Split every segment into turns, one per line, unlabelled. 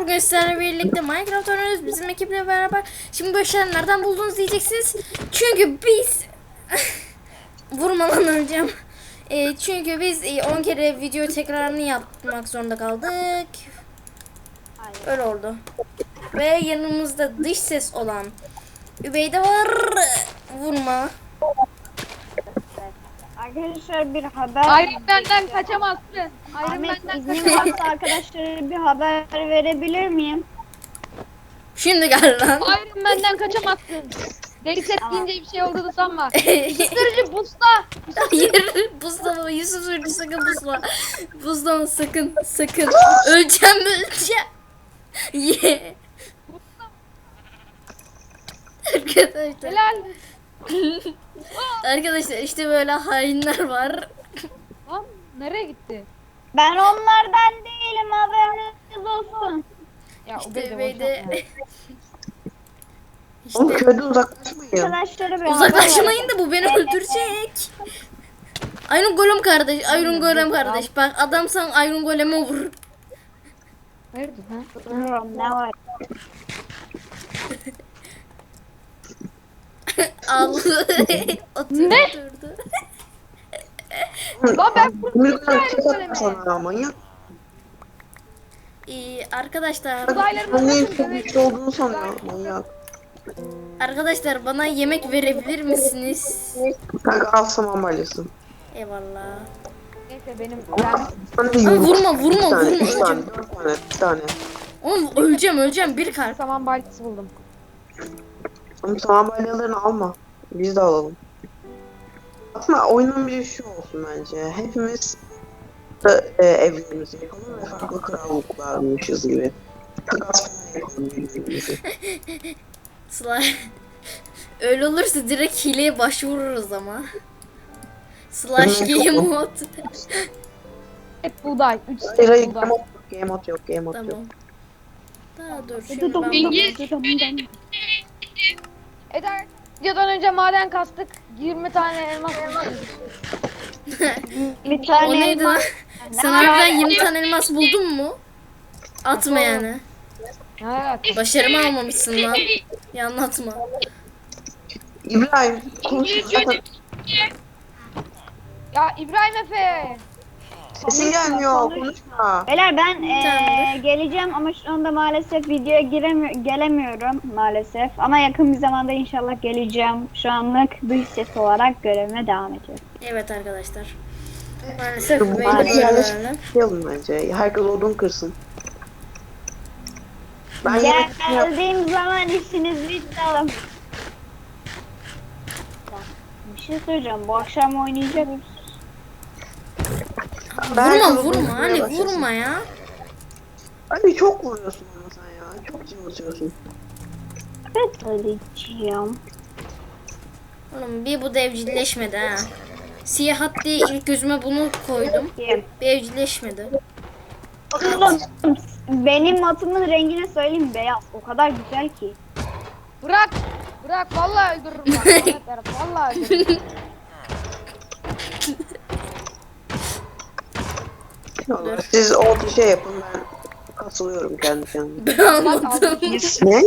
Bugün sizlerle birlikte Minecraft oynuyoruz bizim ekiple beraber. Şimdi bu eşyaları nereden buldunuz diyeceksiniz. Çünkü biz vurmadan öleceğim. Çünkü biz 10 kere video tekrarını yapmak zorunda kaldık. Öyle oldu. Ve yanımızda dış ses olan Übeyde var. Vurma.
Arkadaşlar bir haber.
Iron Man'den kaçamazsın. Iron
Ahmet
Man'den
iznin
kaçamazsın.
varsa arkadaşlara bir haber verebilir miyim?
Şimdi gel lan.
Iron Man'den kaçamazsın. Deli set deyince bir şey olduğunu sanma. Isırıcı busla.
Hayır, buzlama Yusuf Sürücü, sakın buzla. Buzlama sakın, sakın. Öleceğim. Ye. Arkadaşlar.
Helal.
Arkadaşlar işte böyle hainler var.
Lan nereye gitti?
Ben onlardan değilim, haberiniz olsun.
Ya
İşte
o
böyle.
Oğlum
İşte
köyden uzaklaşmayın.
Arkadaşlara bir
uzaklaşmayın da bu beni öldürecek. Iron Golem kardeş, Iron Golem kardeş. Bak adamsan Iron Golem'e vur.
Hayırdır ha?
Bilmiyorum ne var.
Al. Oturdu.
Lan ben
Milyon
Iron
kim
Golem'e.
sana ya manyak.
Arkadaşlar,
Uzaylıların
Ben neyin
nasıl
çok güçlü olduğunu sanıyor manyak.
arkadaşlar bana yemek verebilir misiniz?
Kanka al saman balyası.
Eyvallah.
Neyse benim
Sana bir
Ama
yumurta.
vurma, vurma,
Bir tane,
vurma,
üç tane,
öleceğim.
4 tane, 1 tane.
Oğlum öleceğim bir
ben
kalp.
saman baltası buldum.
Oğlum saman balyalarını alma. Biz de alalım. Aslında oyunun bir şu olsun bence. Hepimiz evlerimizi yapalım ve farklı krallıklarmışız gibi. Takas falan yapalım birbirimizi.
Slime. Öyle olursa direkt hileye başvururuz ama. Slash game mod.
Hep buğday. 3
Hayır hayır
buğday.
game mode yok game mode yok.
Tamam. Daha dur şimdi ben
Eder. Videodan önce maden kastık. 20 tane elmas bulduk.
Bir
O
tane
neydi lan?
elmas.
Sen harbiden 20 tane elmas buldun mu? Atma yani.
Evet.
Başarımı almamışsın lan. Ya anlatma.
İbrahim konuşma zaten
Ya İbrahim Efe.
sesin gelmiyor konuşma.
Beyler ben
Tamamdır.
geleceğim ama şu anda maalesef videoya gelemiyorum maalesef. Ama yakın bir zamanda inşallah geleceğim. Şu anlık dış ses olarak görevime devam ediyorum.
Evet arkadaşlar. Maalesef
Bu
böyle
arada
böyle.
yapalım bence. Herkes odun kırsın. Ben yemek
Geldiğim zaman işiniz bitti oğlum. Bir şey söyleyeceğim. Bu akşam oynayacak mısın?
Vurma hani vurma ya.
Abi çok vuruyorsun ama sen ya. Çok cıvıtıyorsun.
Evet Ali'ciğim.
Oğlum bir bu da evcilleşmedi ha. Siyah hat diye ilk gözüme bunu koydum. Bir evcilleşmedi.
Oğlum benim atımın rengini söyleyeyim, beyaz. O kadar güzel ki.
Bırak. Bırak vallahi öldürürüm bak. Ahmet Berat, vallahi öldürürüm.
Vallahi siz o şey yapın ben katılıyorum kendi kendime.
Ben almadım.
Ne?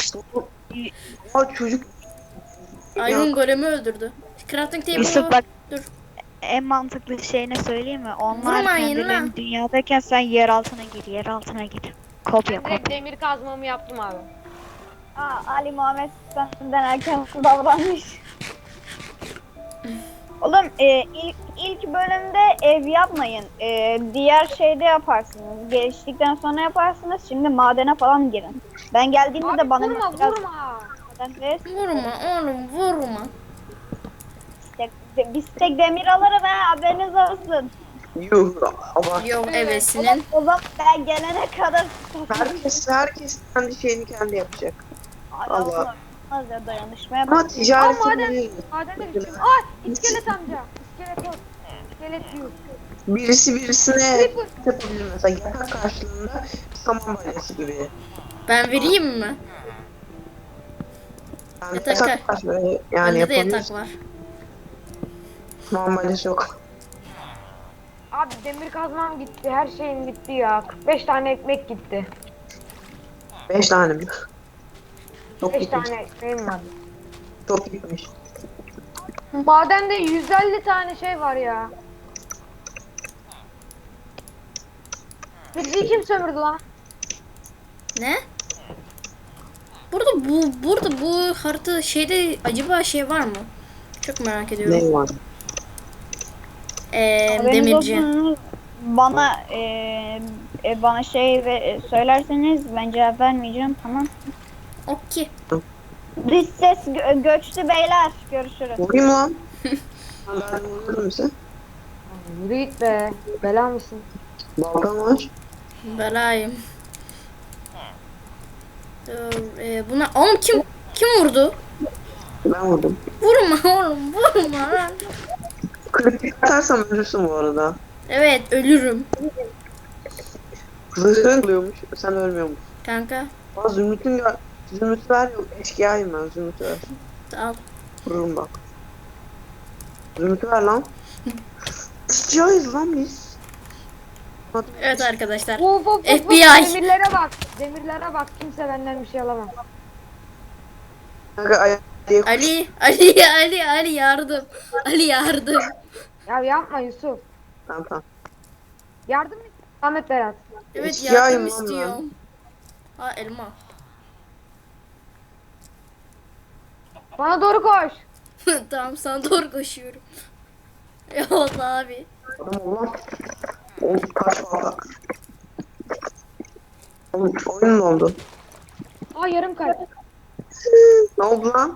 Aa çocuk
Iron Golem'i öldürdü. Crafting
Yusuf
table'ı
bak,
dur.
en mantıklı şey ne söyleyeyim mi? Onlar
Vurmayın
kendilerini
lan.
dünyadayken sen yer altına gir, yer altına gir. Kopya
Ben direkt
kopya.
demir kazmamı yaptım abi.
Aa, Ali Muhammed senden erken davranmış. Oğlum ilk bölümde ev yapmayın. Diğer şeyde yaparsınız. Geliştikten sonra yaparsınız. Şimdi madene falan girin. Ben geldiğimde
Abi
de bana
vurma
biraz
vurma.
maden ver.
Vurma oğlum vurma.
Biz tek demir alırım ha, haberiniz olsun.
yuh ama
Yok evesinin.
O zaman ben gelene kadar
herkes kendi şeyini kendi yapacak. Allah.
Olmaz ya, dayanışmaya
Ama
bak.
ticaret
Aa, maden.
yapabiliriz.
Madende gideceğim. Aa iskelet amca. İskelet yok. İskelet yok.
Birisi birisine yapabilir mesela yatak karşılığında saman balyası gibi.
Ben vereyim mi?
Yani
Yatak
karşılığında yani
Bende de
yapabiliriz.
yatak var.
Saman balyası yok.
Abi demir kazmam gitti. Her şeyim gitti ya. 45 tane ekmek gitti.
5 tane mi? Çok
5
gitmiş.
tane ekmeğim var.
Çok gitmiş.
Madende 150 tane şey var ya. Bizi kim sömürdü lan?
Ne? Burada bu harita şeyde acaba şey var mı? Çok merak ediyorum.
Ne var?
Haberiniz
Demirci.
olsun, bana şey söylerseniz ben cevap vermeyeceğim, tamam.
Okey.
Dış ses göçtü beyler. Görüşürüz.
Vurayım lan. Ben vururum size.
Yürü git be. Bela mısın?
Balkan var.
Belayım. Dur, buna oğlum kim vurdu?
Ben vurdum.
Vurma oğlum vurma lan.
Kritik atarsam ölürsün bu arada.
Evet ölürüm
Zırhın oluyormuş. Sen ölmüyormuş.
kanka.
Aa, Zümrüt ver yok. Eşkıyayım ben. Zümrüt ver.
Al.
Vururum bak. Zümrüt ver lan. Eşkıyayız lan biz.
Evet arkadaşlar.
Of of of.
FBI.
Demirlere bak. Demirlere bak. Kimse benden bir şey alamaz.
Kanka
Ali yardım. Ali yardım.
Ya yapma Yusuf.
Tamam.
Yardım et. Ahmet Berat.
Evet
Eşkıyayım
yardım
lan
istiyorum. Ha elma.
Bana doğru koş.
Tamam sana doğru koşuyorum. Eyvallah abi.
Adam ol lan. Oğlum kaç valla. Oğlum oyun mu oldu?
Aa yarım kalp.
Ne oldu lan?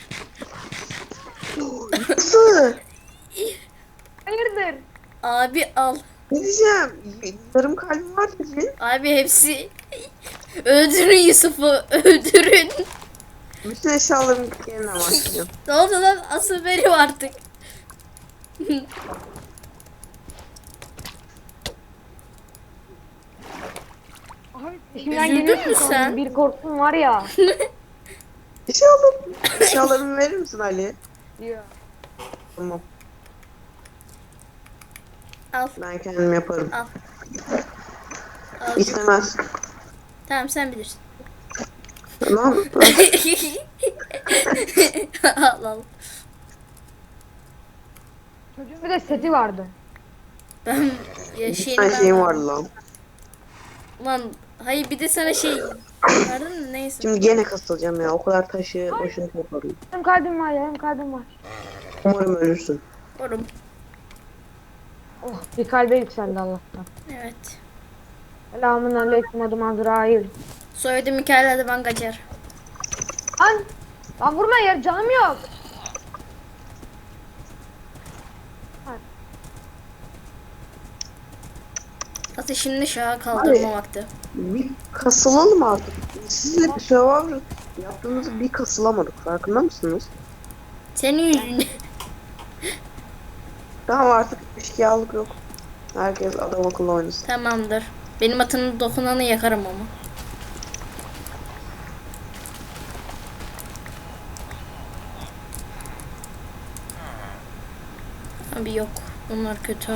Nasıl?
Hayırdır?
Abi al.
Ne diyeceğim? Yarım kalbim var dedi.
Abi hepsi öldürün Yusuf'u öldürün.
Bütün eşyalarım yeniden başlayacağım.
Ne oldu lan asıl benim artık.
Abi peşimden
Üzüldün
geliyorsun
mü
sandım.
sen?
Bir korktum var ya.
Eşyalarımı verir misin Ali?
Diyor.
Tamam.
Al
Ben kendim yaparım.
al. Al.
İstemez.
Tamam sen bilirsin.
Tamam.
al al.
Çocuğun bir de seti vardı.
Ben
Bir tane şeyim vardı lan.
Lan hayır bir de sana şey verdin mi neyse.
Şimdi gene kasılacağım ya. O kadar taşı boşuna topladım.
Yarım kalbim var yarım kalbim var.
Umarım ölürsün.
Oğlum.
Oh bir kalbe yükseldi Allah'tan.
Evet.
Selamun aleyküm adım Azrail.
Soyadı Mikael hadi ben kaçar.
Lan vurma yer canım yok.
Ateşini şaha kaldırma vakti.
Bir kasılalım artık. Sizle bir Survivor yaptığımızda bir kasılamadık. Farkında mısınız?
Senin yüzünden.
Tamam artık eşkıyalık yok. Herkes adam akıllı oynasın.
Tamamdır. Benim atının dokunanı yakarım ama. Abi yok. Bunlar kötü.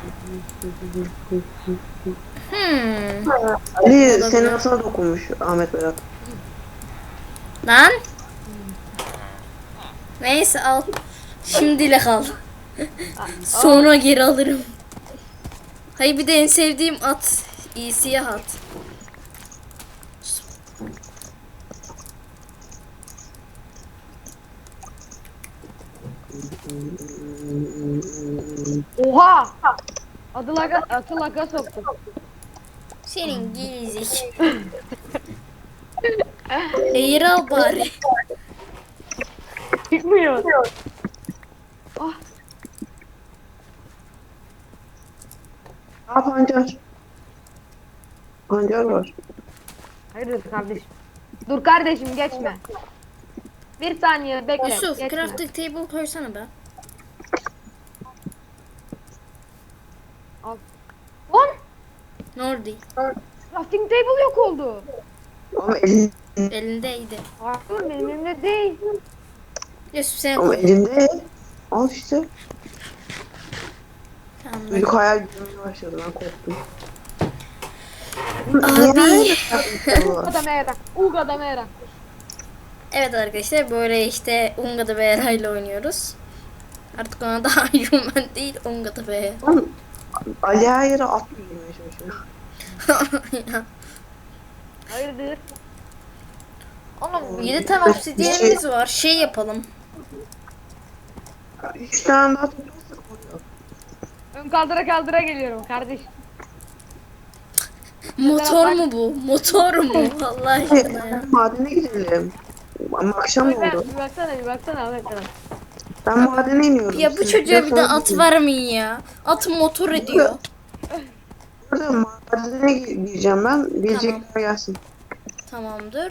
Ali senin atına dokunmuş Ahmet Berat.
Lan. Neyse al. Şimdilik al. Sonra geri alırım. Hayır bir de en sevdiğim at. Siyah at.
Oha! Atı laga soktuk.
Senin gerizek. Eğir al bari.
Çıkmıyor.
Aa pancar. Pancar var.
Hayırdır kardeşim? Dur kardeşim geçme. Bir saniye bekle.
Yusuf
geçme.
crafting table koysana be.
Lan!
Ne oldu?
Crafting table yok oldu.
Ama elinde,
Elindeydi.
Hayır benim elimde değil.
Yusuf sen
ama
koy.
elinde. Al işte.
Tamam.
Büyük hayal görmeye başladı. Ben korktum.
Abi.
Uga da mera. Uga da mera.
Evet arkadaşlar böyle işte Unga'da Bera ile oynuyoruz. Artık ona da Iron Man değil Unga'da Bera.
Ali Ayar'a at mı girmeye çalışıyor?
Hayırdır?
Oğlum 7 tane obsidyenimiz var. Şey yapalım.
3 tane daha tutuyorsak oluyor.
Ön kaldıra geliyorum kardeş.
Motor mu bu? Motor mu? Allah aşkına ya.
Madene gidelim. Ama akşam oldu.
Bir baksana bir baksana Ahmet sana.
Ben madene iniyorum.
Ya bu
Siz
çocuğa bir de
sonra
at
gidin.
vermeyin ya. At motor ediyor.
Burada madene gireceğim ben. Bilecekler gelsin.
Tamamdır.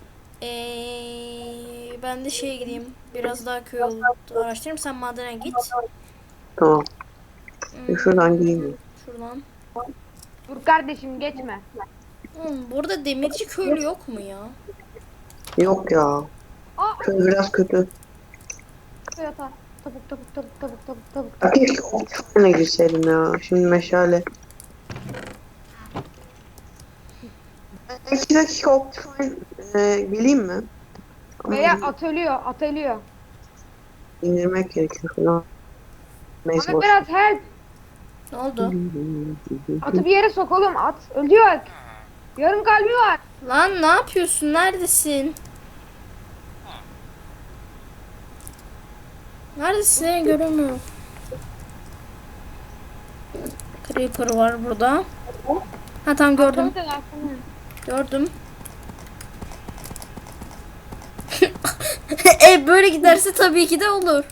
Ben de şeye gideyim. Biraz daha köy yolu araştırayım. Sen madene git.
Tamam.
Hmm,
Şuradan gireyim.
Şuradan.
Dur kardeşim geçme.
Burada demirci köylü yok mu ya?
Yok ya.
Aa!
Köy biraz kötü.
Yatağa. Tavuk.
Ya keşke Optifine'a girseydim ya. Şimdi meşale. Ben 2 dakika Optifine geleyim mi? Ama
Veya at ölüyor.
indirmek gerekiyor falan. Neyse
Ahmet
boş.
biraz help.
Ne oldu?
Atı bir yere sok oğlum at. Ölüyor. Yarım kalbi var.
Lan ne yapıyorsun? Neredesin? Neredesin? Seni göremiyorum. Creeper var burada. Ha tamam gördüm. Gördüm. Böyle giderse tabii ki de olur.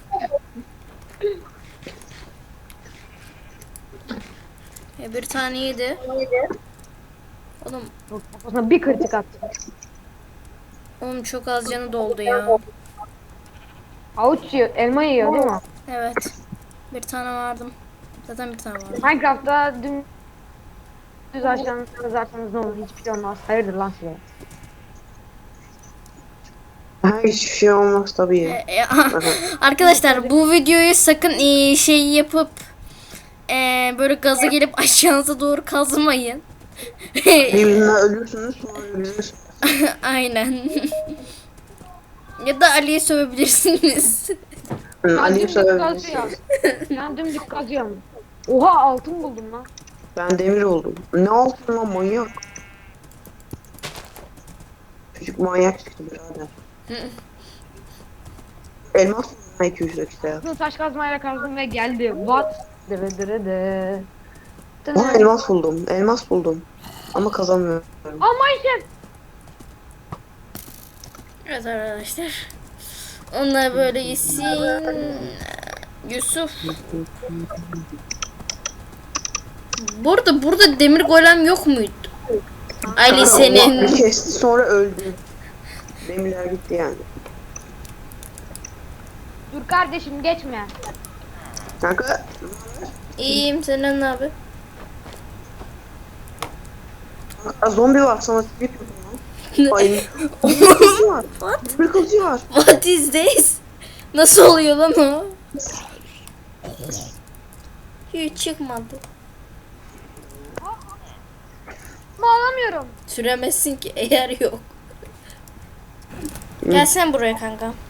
Bir tane yedi. Oğlum,
Kafasına bir kritik attı.
oğlum çok az canı doldu ya.
Avuç yiyor, elma yiyor değil mi?
Evet. Bir tane vardım. Zaten bir tane vardı.
Minecraft'ta düz ağaçlarını kazarsanız ne olur? Hiçbir şey olmaz. Hayırdır lan size?
Ha, hiçbir şey olmaz tabii.
Arkadaşlar bu videoyu sakın şey yapıp böyle gaza gelip aşağınıza doğru kazmayın.
Birbirinden ölürsünüz sonra bize
Aynen. Ya da Ali'ye sövebilirsiniz.
Ali'yi
dümdük
söyleyebilirsin.
kazıyorum. Ben dümdük kazıyorum. Oha altın buldum lan.
Ben demir oldum. Ne altın lan manyak. Çocuk manyak çıktı birader. Elmas mı 200 dakika?
Bunu taş kazmayla kazdım ve geldi. What? Dırıdırıdı.
Aa elmas buldum. Elmas buldum. Ama kazanmıyorum.
Ama işte.
Evet arkadaşlar. Onlar böyle yesin. Yusuf. Burada demir golem yok muydu? Ali senin.
Bir kesti sonra öldü. Demirler gitti yani.
Dur kardeşim geçme.
Kanka
İyiyim, senin ne abi?
zombi var sana tip yapıyorum. Ay. Demir kılıcı var.
What?
Demir kılıcı var.
What is this? Nasıl oluyor lan o? Hiç çıkmadı.
Bağlamıyorum.
Süremezsin ki eğer yok. Gel sen buraya kanka.